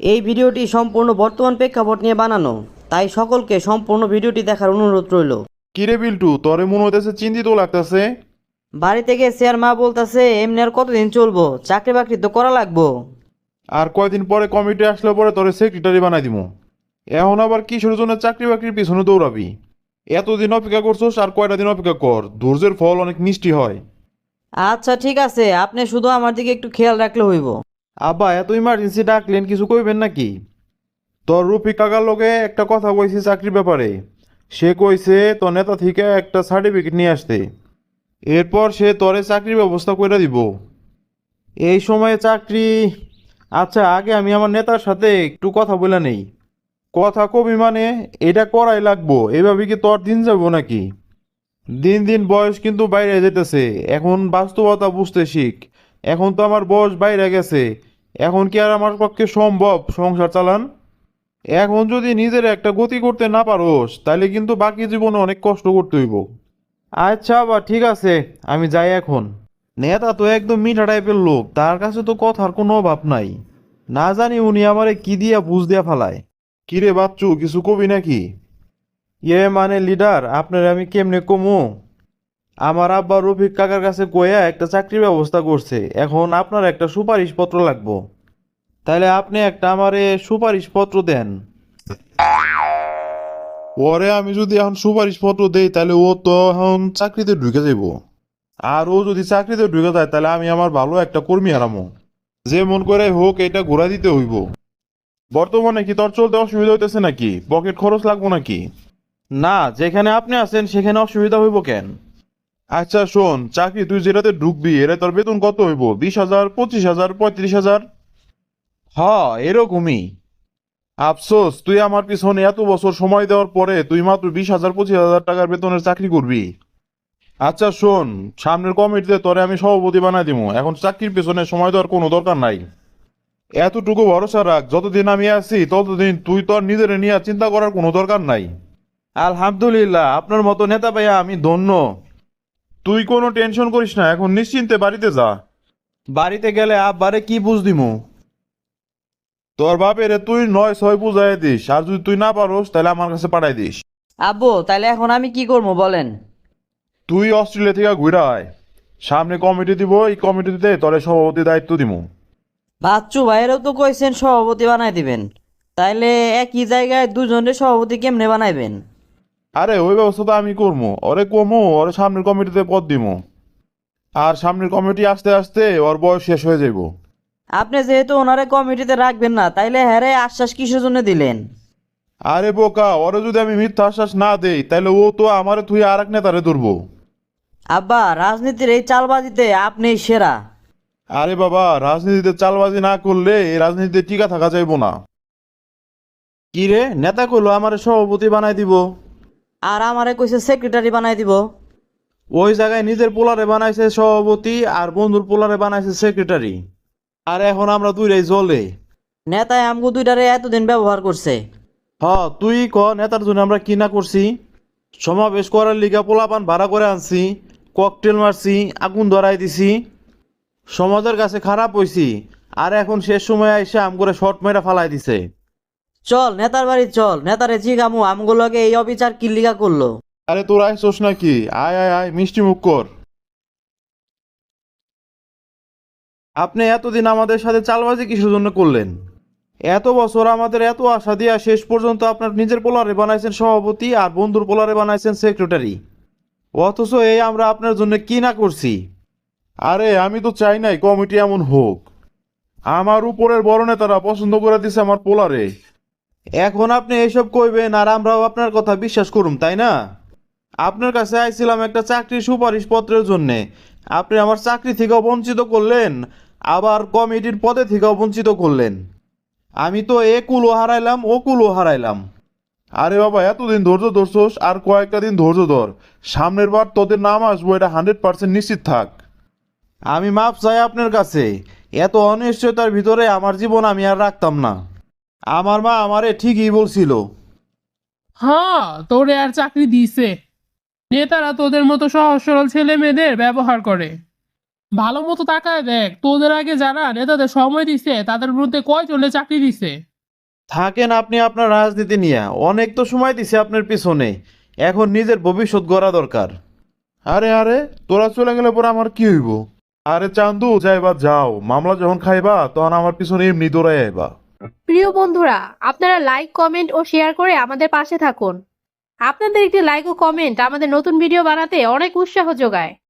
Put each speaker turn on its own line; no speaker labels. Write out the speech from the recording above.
এই ভিডিওটি সম্পূর্ণ বর্তমান প্রেক্ষাপট নিয়ে বানানো, তাই সকলকে সম্পূর্ণ ভিডিওটি দেখার অনুরোধ রইল।
কিরে বিল্টু, তোরে মনে হইতেছে চিন্তিত লাগতেছে।
বাড়ি থেকে স্যার মা বলতেছে এমনি আর কতদিন চলবো, চাকরি বাকরি তো করা লাগবো।
আর কয়দিন পরে কমিটি আসলে পরে তোরে সেক্রেটারি বানাই দিমু। এখন আবার কিসের জন্য চাকরি বাকরির পিছনে দৌড়াবি? এতদিন অপেক্ষা করছোস, আর কয়টা দিন অপেক্ষা কর, ধৈর্যের ফল অনেক মিষ্টি হয়।
আচ্ছা ঠিক আছে, আপনি শুধু আমার দিকে একটু খেয়াল রাখলে হইব।
আব্বা এত ইমার্জেন্সি ডাকলেন, কিছু কইবেন নাকি? তোর রফিক কাকার লগে একটা কথা কইছি চাকরির ব্যাপারে। সে কইছে তোর নেতা থেকে একটা সার্টিফিকেট নিয়ে আসতে, এরপর সে তোরে চাকরির ব্যবস্থা করে দিব। এই সময়ে চাকরি? আচ্ছা আগে আমি আমার নেতার সাথে একটু কথা বলে নেই। কথা কবি মানে এটা করাই লাগবো, এভাবে কি তোর দিন যাবো নাকি? দিন দিন বয়স কিন্তু বাইরে যেতেছে, এখন বাস্তবতা বুঝতে শিখ। এখন তো আমার বয়স বাইরে গেছে, এখন কি আর আমার পক্ষে সম্ভব সংসার চালান? এখন যদি নিজের একটা গতি করতে না পারোস, তাহলে কিন্তু বাকি জীবনে অনেক কষ্ট করতে হইব। আচ্ছা বা ঠিক আছে, আমি যাই এখন। নেতা তো একদম মিঠা টাইপের লোক, তার কাছে তো কথার কোনো অভাব নাই। না জানি উনি আমারে কি দিয়া বুঝ দিয়া ফালায়। কিরে বাচ্চু, কিছু কবি নাকি? মানে লিডার, আপনার আমি কেমনে কমু? আমার আব্বা রফিক কাকার কাছে কইয়া একটা চাকরির ব্যবস্থা করছে, এখন আপনার একটা সুপারিশ পত্র লাগবো। তাহলে আপনি একটা আমারে সুপারিশ পত্র দেন। পরে আমি যদি এখন সুপারিশ পত্র দেই, তাহলে ও তো এখন চাকরিতে ঢুকে যাইব। আর ও যদি চাকরিতে ঢুকে যায়, তাহলে আমি আমার ভালো একটা কর্মী হারামো। যে মন করে হোক এটা ঘোরা দিতে হইব। বর্তমানে কি তোর চলতে অসুবিধা হইতেছে নাকি? পকেট খরচ লাগবো নাকি? না, যেখানে আপনি আছেন সেখানে অসুবিধা হইব কেন? আচ্ছা শোন, চাকরি তুই যেটাতে ঢুকবি এরা তোর বেতন কত হইব? 20,000, 25,000, 35,000? হ, এরকমই। আফসোস, তুই আমার পিছনে এত বছর সময় দেওয়ার পরে তুই মাত্র 20,000, 25,000 টাকার বেতনের চাকরি করবি। আচ্ছা শোন, সামনের কমিটিতে তোরে আমি সভাপতি বানাই দিব, এখন চাকরির পেছনে সময় দেওয়ার কোনো দরকার নাই। এতটুকু ভরসা রাখ, যতদিন আমি আছি ততদিন তুই তোর নিজের নিয়ে চিন্তা করার কোনো দরকার নাই। আলহামদুলিল্লাহ, আপনার মতো নেতা পাইয়া আমি ধন্য। তুই কোনো টেনশন করিস না, এখন নিশ্চিন্তে বাড়িতে যা। বাড়িতে গেলে আব্বারে কি বুঝ দিমু? তোর বাপেরে তুই 9-6 বুঝাই দিস, আর যদি তুই না পারোস তাহলে আমার কাছে পাঠাই দিস।
আব্বু তাহলে এখন আমি কি করবো বলেন?
তুই অস্ট্রেলিয়া থেকে ঘুরে আয়, সামনে কমিটি দিব, এই কমিটিতে তোরে সভাপতি দায়িত্ব দিব।
বাচ্চু ভাইয়েরও তো কইছেন সভাপতি বানাই দিবেন, তাইলে একই জায়গায় দুজনের সভাপতি কেমনে বানাইবেন?
আরে ওই ব্যবস্থা তো আমি করবো, ওরে কমো, ওরে সামনের কমিটিতে পদ দিব। আর সামনের কমিটি আস্তে আস্তে ওর বয়স শেষ হয়ে যাইব।
আপনি যেহেতু ওনারে কমিটিতে রাখবেন না, তাইলে হ্যারে আশ্বাস কিসের জন্য দিলেন?
আরে বোকা, ওরে যদি আমি মিথ্যা আশ্বাস না দেই, তাহলে ও তো আমারে তুই আর এক নেতারে ধরবো।
আব্বা রাজনীতির এই চালবাজিতে আপনিই সেরা।
আরে বাবা, রাজনীতিতে চালবাজি না করলে এই রাজনীতিতে টিকা থাকা যাইব না। কি রে, নেতা কইলো আমারে সভাপতি বানাই দিব,
আর আমারে কইছে সেক্রেটারি বানাই দিব।
ওই জায়গায় নিজের পোলারে বানাইছে সভাপতি আর বন্ধুর পোলারে বানাইছে সেক্রেটারি। আর এখন আমরা দুইটাই জলে।
নেতায় আমগো দুইটারে এতদিন ব্যবহার করছে।
হ, তুই ক নেতার জন্য আমরা কি না করছি? সমাবেশ করার লিগা পোলাপান ভাড়া করে আনছি, ককটেল মারছি, আগুন ধরাই দিছি, সমাজের কাছে খারাপ হইছি। আর এখন শেষ সময় এসে আম করে শর্ট মেরা ফালাই দিছে।
চল নেতার বাড়ি চল, নেতারে জিগামু আমগুলোকে এই অবিচার কিল্লিগা করলো।
আরে তোর আইসোস নাকি? আয় আয় আয়, মিষ্টি মুখ কর। আপনি এতদিন আমাদের সাথে চালবাজি কিসের জন্য করলেন? এত বছর আমাদের এত আশা দিয়া শেষ পর্যন্ত আপনার নিজের পোলারে বানাইছেন সভাপতি আর বন্ধুর পোলারে বানাইছেন সেক্রেটারি। অথচ এই আমরা আপনার জন্য কি না করছি? আরে আমি তো চাই নাই কমিটি এমন হোক। আমার উপরের বড় নেতারা পছন্দ করে দিছে আমার পোলারে। এখন আপনি এসব কইবেন আর আমরাও আপনার কথা বিশ্বাস করুম, তাই না? আপনার কাছে আইছিলাম একটা চাকরির সুপারিশ পত্রের জন্যে, আপনি আমার চাকরি থেকেও বঞ্চিত করলেন, আবার কমিটির পদে থেকেও বঞ্চিত করলেন। আমি তো এ কুলও হারাইলাম, ও কুলও হারাইলাম। আরে বাবা, এতদিন ধৈর্য ধরছোস, আর কয়েকটা দিন ধৈর্য ধর। সামনের বার তোদের নাম আসবো, এটা 100% নিশ্চিত থাক। আমি মাপ চাই আপনার কাছে, এত অনিশ্চয়তার ভিতরে আমার জীবন আমি আর রাখতাম না। আমার মা আমারে ঠিকই বলছিল।
হ্যাঁ, তোরে আর চাকরি দিছে। নেতারা তোদের মতো সহজ সরল ছেলে মেয়েদের ব্যবহার করে। ভালো মতো তাকায় দেখ, তোদের আগে যারা নেতাদের সময় দিছে তাদের মধ্যে কয়জনে চাকরি দিছে।
থাকেন আপনি আপনার রাজনীতি নিয়ে, অনেক তো সময় দিছে আপনার পিছনে, এখন নিজের ভবিষ্যৎ গড়া দরকার। আরে আরে, তোরা চলে গেলে পরে আমার কি হইব? আরে চান্দু, যাইবা যাও, মামলা যখন খাইবা তখন আমার পিছনে এমনি দৌড়াই আইবা।
প্রিয় বন্ধুরা, আপনারা লাইক, কমেন্ট ও শেয়ার করে আমাদের পাশে থাকুন। আপনাদের একটি লাইক ও কমেন্ট আমাদের নতুন ভিডিও বানাতে অনেক উৎসাহ যোগায়।